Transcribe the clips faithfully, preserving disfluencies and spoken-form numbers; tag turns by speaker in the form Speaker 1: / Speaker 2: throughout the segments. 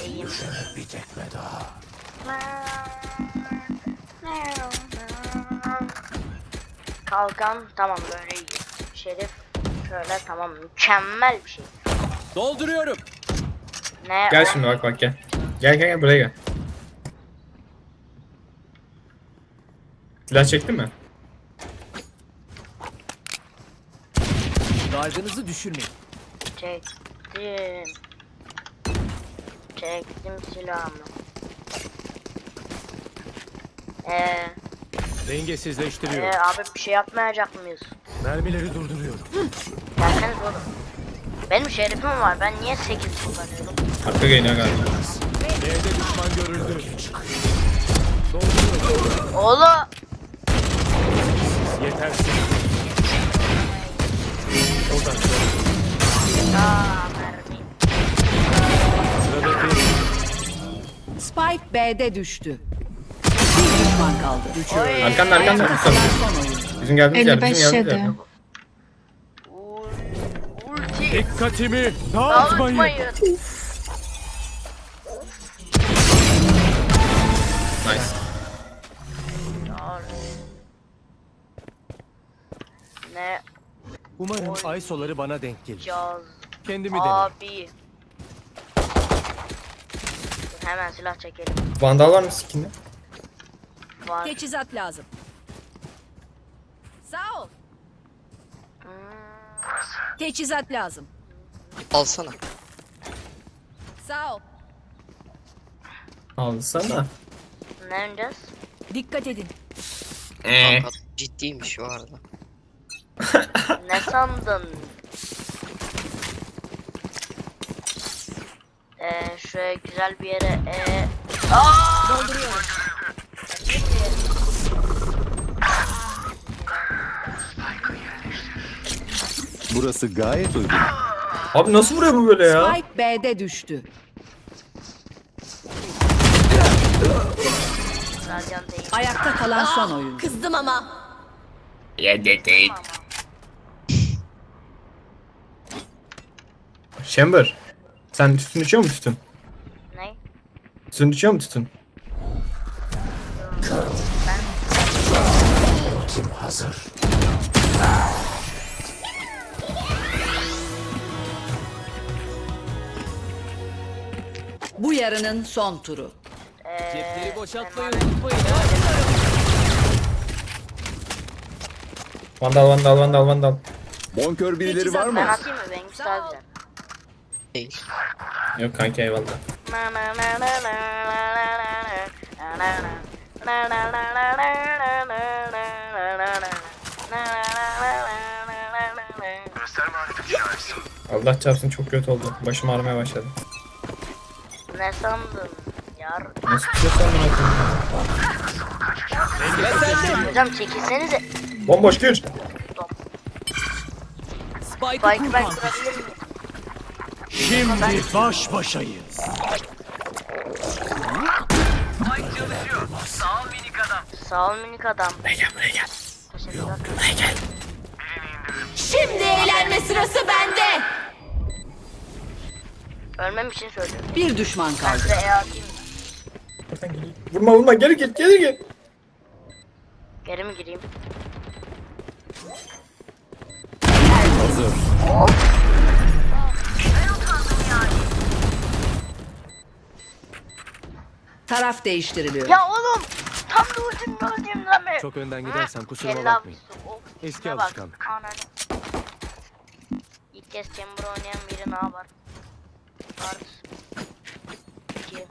Speaker 1: İyiyim.
Speaker 2: Bir tekme daha.
Speaker 1: Kalkan tamam böyle iyi. Şerif şöyle tamam mükemmel bir şey.
Speaker 3: Dolduruyorum.
Speaker 1: Ne?
Speaker 4: Gel
Speaker 1: o?
Speaker 4: şimdi bak bak gel. Gel gel gel buraya gel. Silah çektin mi?
Speaker 3: Dargınızı düşürmeyin.
Speaker 1: Çektim. Çektim silahımı. Eee
Speaker 3: Dengesizleştiriyorum.
Speaker 1: ee, abi bir şey yapmayacak mıyız?
Speaker 3: Mermileri durduruyorum.
Speaker 1: Gelseniz oğlum. Benim şerifim var. Ben niye sekiz kullanıyorum?
Speaker 4: Arka geliyor galiba.
Speaker 3: B'de düşman görüldü. Dolduruyorum.
Speaker 1: Oğlum.
Speaker 3: Yetersiz. Oradan
Speaker 1: Aa mermi.
Speaker 3: sıradaki.
Speaker 5: Spike B'de düştü. Bir düşman kaldı.
Speaker 1: Oy.
Speaker 4: Arkanda arkanda.
Speaker 5: Ayakta kalan son oyun.
Speaker 4: Bizim geldiğimiz yer.
Speaker 6: elli beş
Speaker 4: Bizim geldiğimiz
Speaker 6: yedi.
Speaker 4: yer.
Speaker 1: Ul- Ulti.
Speaker 3: Dikkatimi dağıtmayın.
Speaker 1: Dağıtmayın.
Speaker 4: Nice.
Speaker 1: Ne
Speaker 3: Umarım ay soları bana denk gelir.
Speaker 1: caz
Speaker 3: Kendimi denerim.
Speaker 1: abi. Dur, hemen silah çekelim.
Speaker 4: Vandal var mı skinde?
Speaker 1: Var.
Speaker 5: Teçhizat lazım. Sağ ol.
Speaker 1: Hmm,
Speaker 5: Teçhizat lazım.
Speaker 7: Alsana.
Speaker 5: Sağ ol.
Speaker 4: Alsana.
Speaker 1: ne oynayacağız?
Speaker 5: Dikkat edin.
Speaker 4: Eee.
Speaker 7: Kanka ciddiymiş bu arada.
Speaker 1: Ne sandın? Ee, şöyle güzel bir yere ee... Aa!
Speaker 5: Dolduruyorum.
Speaker 2: Burası gayet uygun.
Speaker 4: Abi nasıl vuruyor bu böyle ya?
Speaker 5: Spike B'de düştü.
Speaker 1: Radyan değil.
Speaker 5: Ayakta kalan son oyun.
Speaker 8: Kızdım ama.
Speaker 4: Chamber. Sen tütün içiyor musun tütün?
Speaker 1: Ne?
Speaker 4: Tütün içiyor musun tütün?
Speaker 2: Ultim hazır.
Speaker 5: Bu yarının son turu.
Speaker 1: Ee,
Speaker 3: Cepleri boşaltmayı
Speaker 1: hemen-
Speaker 3: unutmayın.
Speaker 4: Vandal vandal vandal vandal.
Speaker 2: Bonkör birileri var
Speaker 1: Ben
Speaker 2: mı?
Speaker 1: atayım mı? Benimkisi daha güzel.
Speaker 7: Değil.
Speaker 4: Yok kanka eyvallah. Allah çarpsın çok kötü oldu. Başım ağrımaya başladı.
Speaker 1: Ne sandın? Yar.
Speaker 4: Nasıl bir şey sandın akıllı?
Speaker 1: Hocam çekilsenize.
Speaker 4: Bomboş gir.
Speaker 3: Spike'ı
Speaker 1: Spike
Speaker 3: kur
Speaker 1: ben
Speaker 3: kanka.
Speaker 1: kurabilir miyim?
Speaker 3: Şimdi baş başayız.
Speaker 1: Sağ ol minik adam.
Speaker 4: Buraya gel buraya gel.
Speaker 1: Teşekkürler.
Speaker 4: Buraya gel.
Speaker 8: Şimdi eğlenme sırası bende.
Speaker 1: Ölmem için söylüyorum.
Speaker 5: Bir düşman
Speaker 1: Ben
Speaker 5: kaldı.
Speaker 1: size E atayım.
Speaker 4: Buradan gel. Vurma vurma geri git geri git.
Speaker 1: Geri mi gireyim?
Speaker 2: Hazır.
Speaker 5: Taraf değiştiriliyor.
Speaker 1: Ya oğlum! Tam da ultim gördüğüm lan be.
Speaker 3: Çok önden gidersen kusuruma
Speaker 1: Kella
Speaker 3: bakmayın.
Speaker 1: avcısı, of,
Speaker 3: Eski
Speaker 1: şuna bak.
Speaker 3: alışkanlık.
Speaker 1: Ananı. İlk kez Chamber oynayan biri ne yapar? Art. İki.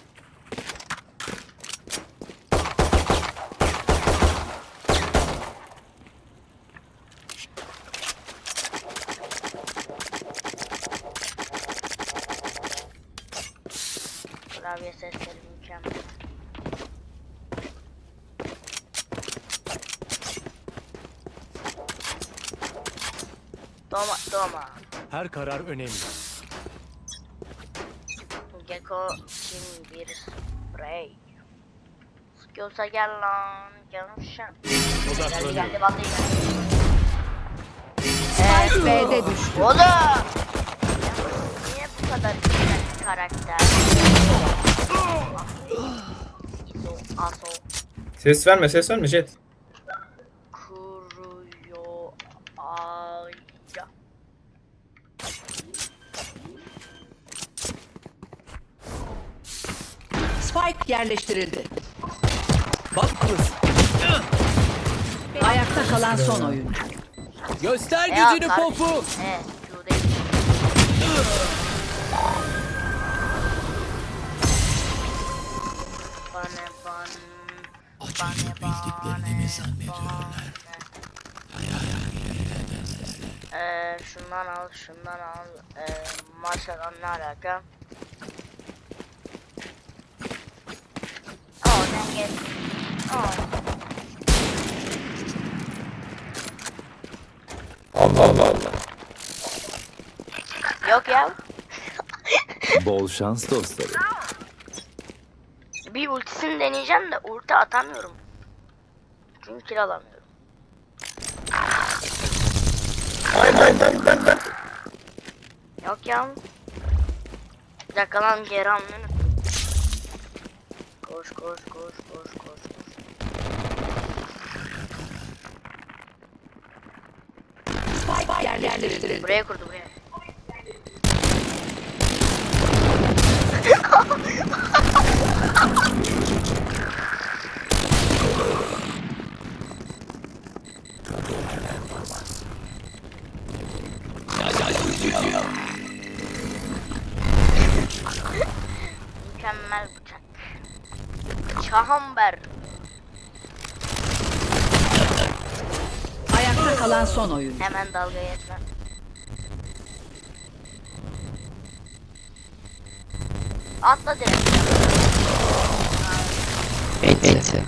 Speaker 1: Klavye sesleri mükemmel. Doma, doma.
Speaker 3: Her karar önemli.
Speaker 1: Gecko kim bir sprey. Sıkıyorsa gel lan, gelmişim. Geldi
Speaker 3: Odaklanıyorum.
Speaker 1: geldi vallahi geldi.
Speaker 5: Spike B'de düştü.
Speaker 1: Oğlum! Niye bu kadar güzel karakter. İzo, Aso,
Speaker 4: Ses verme ses verme Jet.
Speaker 1: Kuruyo, Aya.
Speaker 5: Spike yerleştirildi.
Speaker 3: Bak kız.
Speaker 5: Ayakta kalan son oyuncu.
Speaker 3: Göster
Speaker 1: Ya,
Speaker 3: gücünü
Speaker 1: kardeşim.
Speaker 3: pofu.
Speaker 1: Evet, Q değil. Bane ban. Bane bane zannediyorlar. Eee şundan al, şundan al. Eee maşadan ne alaka? Oh, dang it. Oh.
Speaker 4: Allah Allah Allah.
Speaker 1: Yok ya.
Speaker 2: Bol şans dostlarım.
Speaker 1: Bir ultisini deneyeceğim de ulti atamıyorum. Çünkü kill alamıyorum. Yok ya. Bir dakika lan geri almayı unuttum. Koş koş koş koş koş koş.
Speaker 5: Spike yerleştirildi.
Speaker 1: Buraya kurdu buraya. Mükemmel bıçak. Çahamber.
Speaker 5: Ayakta kalan son oyuncu.
Speaker 1: Hemen dalga geçme. Atla direkt.
Speaker 7: Enti.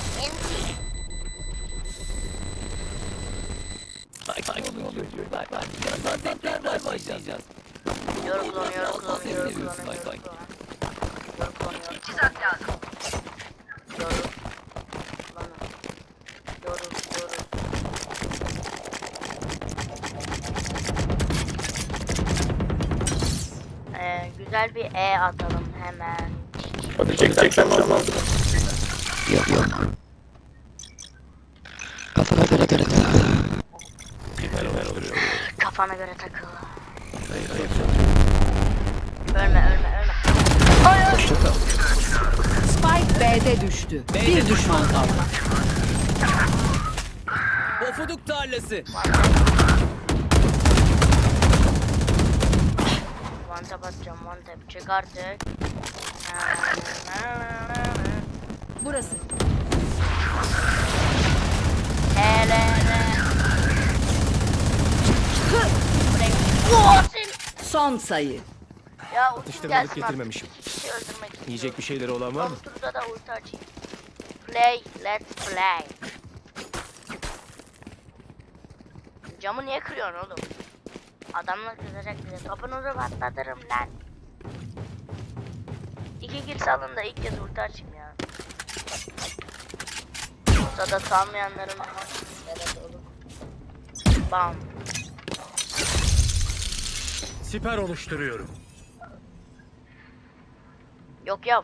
Speaker 1: Yoru kullanıyor, yoru kullanıyor, yoru kullanıyor, yoru kullanıyor. Yoru kullanıyor. İkizat lazım. Yoru. Kullanıyor. Yoru, yoru. Ee, güzel bir E atalım hemen.
Speaker 4: Hadi çek çek sen bana.
Speaker 7: Yok yok. Kafana göre göre.
Speaker 1: Kafana göre takıl. Ölme, ölme, ölme. Hayır.
Speaker 5: Spike B'de düştü. Bir düşman kaldı.
Speaker 3: Pofuduk tarlası.
Speaker 1: One tap atacağım, one tap. Çık artık.
Speaker 5: Burası.
Speaker 1: Hele hele. Buraya.
Speaker 5: Son sayı.
Speaker 1: Ya ultim
Speaker 3: Atıştırmalık
Speaker 1: gelsin
Speaker 3: getirmemişim.
Speaker 1: artık. Kişi öldürmek istiyorum.
Speaker 3: Yiyecek bir şeyleri olan var mı?
Speaker 1: Son turda da ulti açayım. Play, let's play. Camı niye kırıyorsun oğlum? Adamlar kızacak bize. Topunuzu patlatırım lan. İki kill salın da ilk kez ulti açayım ya. Ortada salmayanların evet oğlum. Bam.
Speaker 3: Siper oluşturuyorum.
Speaker 1: Yok yok.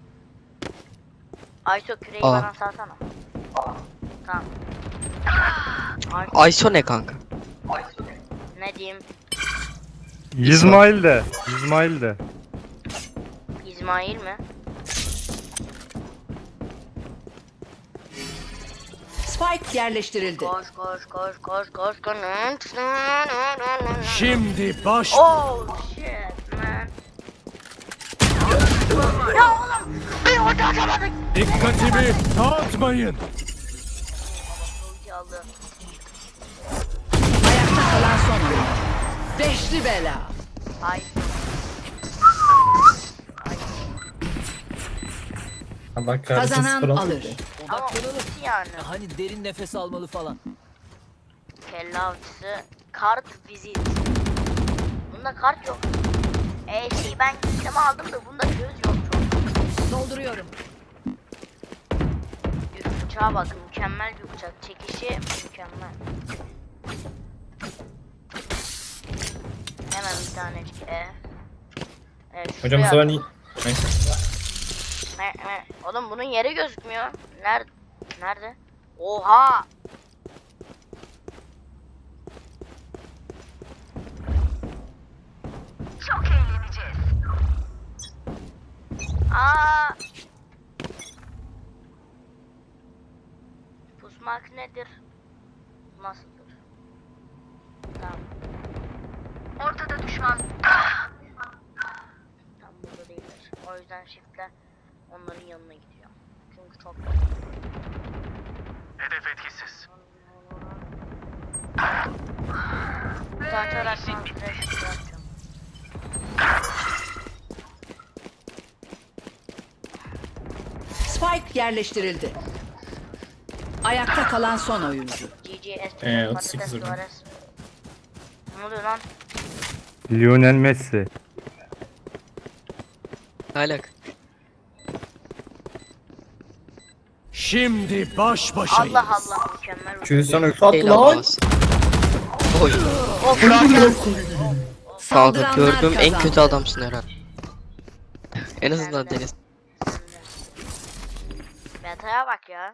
Speaker 1: Ayso küreği
Speaker 7: Aa.
Speaker 1: bana salsana. Tamam. Ay,
Speaker 7: Ayso ne kanka?
Speaker 1: ne diyeyim?
Speaker 6: İsmail de. İsmail de.
Speaker 1: İsmail mi?
Speaker 5: Spike yerleştirildi.
Speaker 1: Koş koş koş koş koş koş.
Speaker 3: Şimdi baş...
Speaker 1: Oh shit man. Ya oğlum bir orada atamadık.
Speaker 3: Dikkatimi dağıtmayın.
Speaker 1: Ulti aldı.
Speaker 5: Ayakta kalan son oyuncu. Beşli bela.
Speaker 1: Ay.
Speaker 4: Allah kahretsin.
Speaker 5: Kazanan
Speaker 4: sıfır altı.
Speaker 5: alır.
Speaker 1: Ama ulti yani.
Speaker 3: Hani derin nefes almalı falan.
Speaker 1: Kelle avcısı. Kart vizit. Bunda kart yok. E şey ben sisteme aldım da bunda göz yok çok.
Speaker 5: Dolduruyorum.
Speaker 1: Bir bıçağa bak, mükemmel bir bıçak. Çekişi mükemmel. Hemen bir tanecik E. Evet,
Speaker 4: Hocam bu
Speaker 1: şuraya
Speaker 4: sefer
Speaker 1: at.
Speaker 4: iyi. Neyse.
Speaker 1: Ne, ne? Oğlum bunun yeri gözükmüyor. Nerede? Nerede? Oha! Çok eğleneceğiz. Aa! Pusmak nedir? Nasıldır? Tamam. Ortada düşman. Tam burada değiller. O yüzden shift'le onların yanına gidiyor. Çünkü çok
Speaker 3: Hedef etkisiz.
Speaker 1: Ulti açarak ben flash yapacağım.
Speaker 5: Spike yerleştirildi. Ayakta kalan son oyuncu.
Speaker 1: G G S
Speaker 4: Ee,
Speaker 1: P
Speaker 4: otuz sekiz
Speaker 1: patates
Speaker 4: vurdum.
Speaker 1: Suarez. Ne oluyor lan?
Speaker 6: Lionel Messi.
Speaker 7: Alak.
Speaker 3: Şimdi baş başayız.
Speaker 1: Allah Allah mükemmel. ulti.
Speaker 4: Kürdistan ulti attı
Speaker 7: Helal
Speaker 4: lan.
Speaker 7: olsun. Oy.
Speaker 1: Of,
Speaker 7: Kanka
Speaker 5: Saldıranlar
Speaker 7: gördüğüm en
Speaker 5: kazandı.
Speaker 7: kötü adamsın herhalde. En azından Deniz.
Speaker 1: Meta'ya bak ya.